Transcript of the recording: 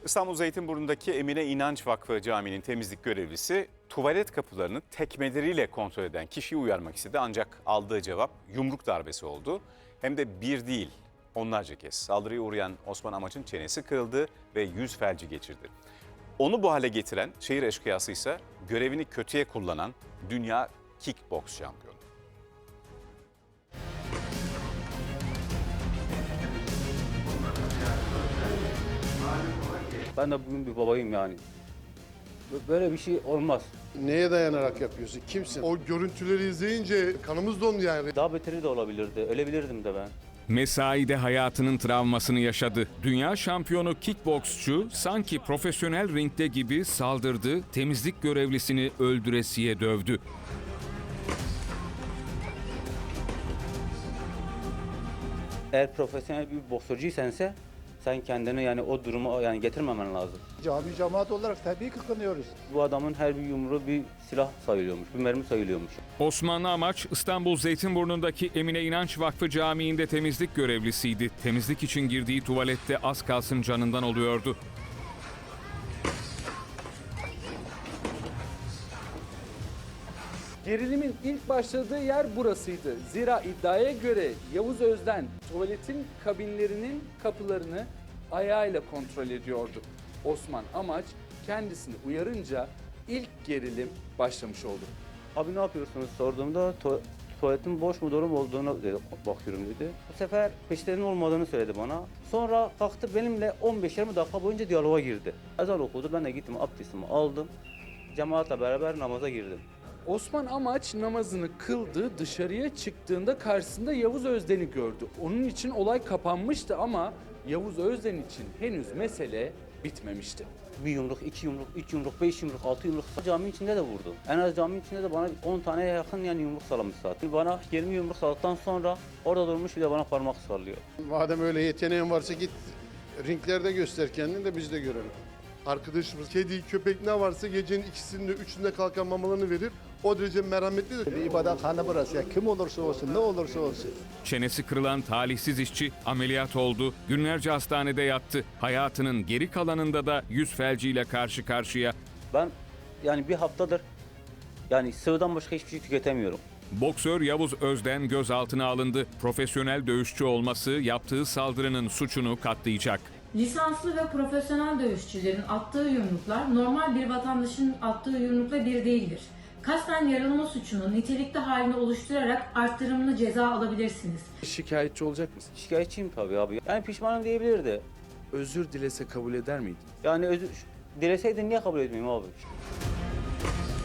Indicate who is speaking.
Speaker 1: İstanbul Zeytinburnu'ndaki Emine İnanç Vakfı Camii'nin temizlik görevlisi tuvalet kapılarını tekmeleriyle kontrol eden kişiyi uyarmak istedi. Ancak aldığı cevap yumruk darbesi oldu. Hem de bir değil, onlarca kez saldırıya uğrayan Osman Amaç'ın çenesi kırıldı ve yüz felci geçirdi. Onu bu hale getiren şehir eşkıyası ise görevini kötüye kullanan dünya kickboks şampiyonu.
Speaker 2: Ben de bugün bir babayım yani. Böyle bir şey olmaz.
Speaker 3: Neye dayanarak yapıyorsun? Kimsin?
Speaker 4: O görüntüleri izleyince kanımız dondu yani.
Speaker 2: Daha beteri de olabilirdi. Ölebilirdim de ben.
Speaker 5: Mesaide hayatının travmasını yaşadı. Dünya şampiyonu kickboksçu sanki profesyonel ringde gibi saldırdı, temizlik görevlisini öldüresiye dövdü.
Speaker 2: Eğer profesyonel bir boksörcüysense sen kendini yani o duruma yani getirmemen lazım.
Speaker 6: Cami cemaat olarak tabii ki kınıyoruz.
Speaker 2: Bu adamın her bir yumruğu bir silah sayılıyormuş, bir mermi sayılıyormuş.
Speaker 5: Osman Amaç, İstanbul Zeytinburnu'ndaki Emine İnanç Vakfı Camii'nde temizlik görevlisiydi. Temizlik için girdiği tuvalette az kalsın canından oluyordu.
Speaker 7: Gerilimin ilk başladığı yer burasıydı. Zira iddiaya göre Yavuz Özden tuvaletin kabinlerinin kapılarını ayağıyla kontrol ediyordu. Osman Amaç kendisini uyarınca ilk gerilim başlamış oldu.
Speaker 2: Abi ne yapıyorsunuz sorduğumda tuvaletin boş mu dolu mu olduğunu bakıyorum dedi. Bu sefer peşlerinin olmadığını söyledi bana. Sonra kalktı benimle 15-20 dakika boyunca diyaloğa girdi. Ezan okudu, ben de gittim abdestimi aldım. Cemaatle beraber namaza girdim.
Speaker 7: Osman Amaç namazını kıldı, dışarıya çıktığında karşısında Yavuz Özden'i gördü. Onun için olay kapanmıştı ama Yavuz Özden için henüz mesele bitmemişti.
Speaker 2: Bir yumruk, iki yumruk, üç yumruk, beş yumruk, altı yumruk. Cami içinde de vurdu. En az cami içinde de bana 10 taneye yakın yani yumruk salamış zaten. Bana 20 yumruk saladıktan sonra orada durmuş bir de bana parmak sallıyor.
Speaker 3: Madem öyle yeteneğin varsa git ringlerde göster kendini de biz de görelim.
Speaker 4: Arkadaşımız kedi, köpek ne varsa gecenin ikisinde, üçünde kalkan mamalarını verir. O derece merhametlidir.
Speaker 6: Bir ibadethane burası ya. Kim olursa olsun, ne olursa olsun.
Speaker 5: Çenesi kırılan talihsiz işçi ameliyat oldu. Günlerce hastanede yattı. Hayatının geri kalanında da yüz felciyle karşı karşıya.
Speaker 2: Ben yani bir haftadır yani sıvıdan başka hiçbir şey tüketemiyorum.
Speaker 5: Boksör Yavuz Özden gözaltına alındı. Profesyonel dövüşçü olması yaptığı saldırının suçunu katlayacak.
Speaker 8: Lisanslı ve profesyonel dövüşçülerin attığı yumruklar normal bir vatandaşın attığı yumrukla bir değildir. Kasten yaralama suçunu nitelikli halini oluşturarak arttırımlı ceza alabilirsiniz.
Speaker 7: Şikayetçi olacak mısın?
Speaker 2: Şikayetçiyim tabii abi. Yani pişmanım diyebilirdi.
Speaker 7: Özür dilese kabul eder miydin?
Speaker 2: Yani dileseydin niye kabul etmeyeyim abi?